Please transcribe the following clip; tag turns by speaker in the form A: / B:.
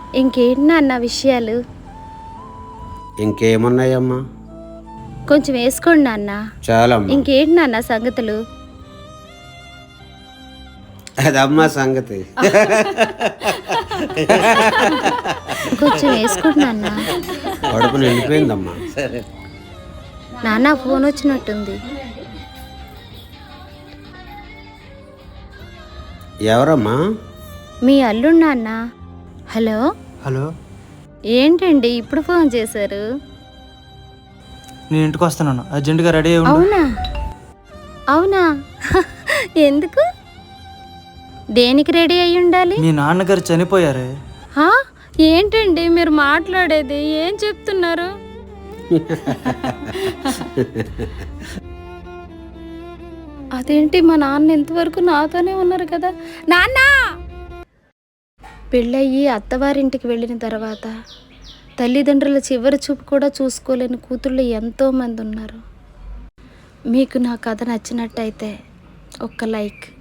A: ఇంకేంటి నాన్న విషయాలు?
B: ఇంకేమున్నాయమ్మా?
A: కొంచెం వేసుకోండి నాన్న.
B: చాలా.
A: ఇంకేంటి నాన్న సంగతులు?
B: అదమ్మా సంగతి.
A: కొంచెం వేసుకోండి నాన్న.
B: కడుపు నిండిపోయిందమ్మా.
A: నాన్న ఫోన్ వచ్చినట్టుంది.
B: ఎవరమ్మా?
A: మీ అల్లుడు నాన్న. హలో.
C: హలో,
A: ఏంటండి ఇప్పుడు ఫోన్ చేశారు?
C: నేను ఇంటికి వస్తున్నాను, అర్జెంటుగా రెడీ అయ్యి ఉండు.
A: అవునా? అవునా? ఎందుకు? దేనికి రెడీ అయ్యి ఉండాలి?
C: మీ నాన్నగారు చనిపోయారే.
A: హా? ఏంటండి మీరు మాట్లాడేది? ఏం చెప్తున్నారు? అదేంటి, మా నాన్న ఇంతవరకు నాతోనే ఉన్నారు కదా. నాన్న పెళ్ళయ్యి అత్తవారింటికి వెళ్ళిన తర్వాత తల్లిదండ్రుల చివరి చూపు కూడా చూసుకోలేని కూతుళ్ళు ఎంతోమంది ఉన్నారు. మీకు నా కథ నచ్చినట్టయితే ఒక్క లైక్.